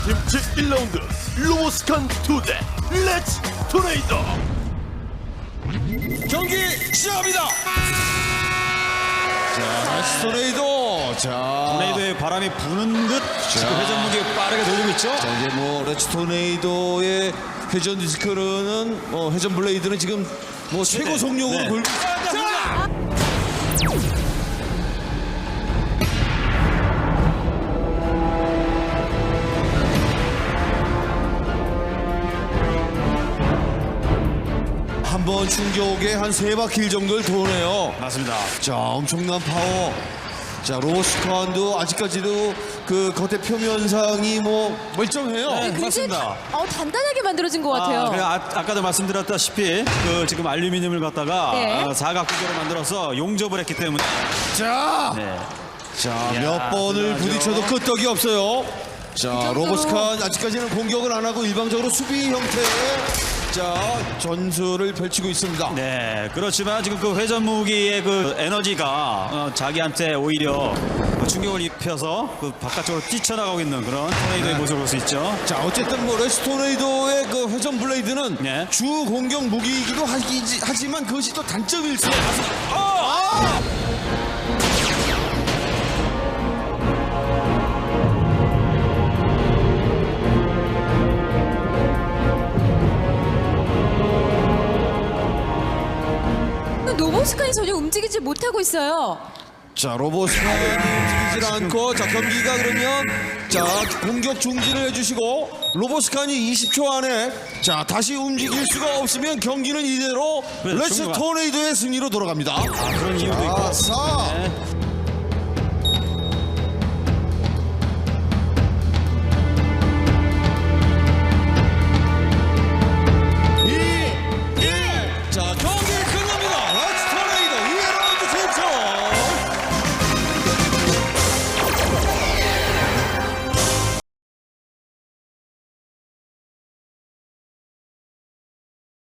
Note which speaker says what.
Speaker 1: 팀 제1라운드 로보스칸 2대 렛츠 토네이도.
Speaker 2: 경기 시작합니다. 자, 스토레이도. 자,
Speaker 3: 토네이도의 바람이 부는 듯 지금 회전 무게 빠르게 돌리고 있죠.
Speaker 2: 자, 이제 뭐 레츠 토네이도의 회전 디스크는 회전 블레이드는 지금 뭐 최고 속력으로 돌고. 한번 충격에 한 3바퀴 정도를 도네요.
Speaker 3: 맞습니다.
Speaker 2: 자, 엄청난 파워. 자, 로보스칸도 아직까지도 그 겉의 표면상이 뭐 멀쩡해요.
Speaker 3: 네,
Speaker 4: 굉장히
Speaker 3: 맞습니다.
Speaker 4: 단단하게 만들어진 것 같아요.
Speaker 3: 그래, 아까도 말씀드렸다시피 그 지금 알루미늄을 갖다가
Speaker 4: 네.
Speaker 3: 사각구조로 만들어서 용접을 했기 때문에
Speaker 2: 자,
Speaker 3: 네.
Speaker 2: 자,
Speaker 3: 이야,
Speaker 2: 몇 번을
Speaker 3: 대단하죠.
Speaker 2: 부딪혀도 끄떡이 없어요. 자,
Speaker 4: 정도로-
Speaker 2: 로보스칸 아직까지는 공격을 안 하고 일방적으로 수비 형태의 자, 전술을 펼치고 있습니다.
Speaker 3: 네, 그렇지만 지금 그 회전 무기의 그 에너지가 자기한테 오히려 그 충격을 입혀서 그 바깥쪽으로 뛰쳐나가고 있는 그런 토네이도의 모습을 볼 수 있죠.
Speaker 2: 자, 어쨌든 뭐 레스토네이도의 그 회전 블레이드는
Speaker 3: 네.
Speaker 2: 주 공격 무기이기도 하지만 그것이 또 단점일 수 있습니다.
Speaker 4: 로보스칸이 전혀 움직이지 못하고 있어요.
Speaker 2: 자, 로보스칸이 움직이질 않고 자, 경기가 그러면 자, 공격 중지를 해주시고 로보스칸이 20초 안에 자, 다시 움직일 수가 없으면 경기는 이대로
Speaker 3: 네,
Speaker 2: 레츠
Speaker 3: 충분히
Speaker 2: 토네이도의 승리로 돌아갑니다.
Speaker 3: 그런 이유도 있고.
Speaker 2: 아싸.
Speaker 3: 네.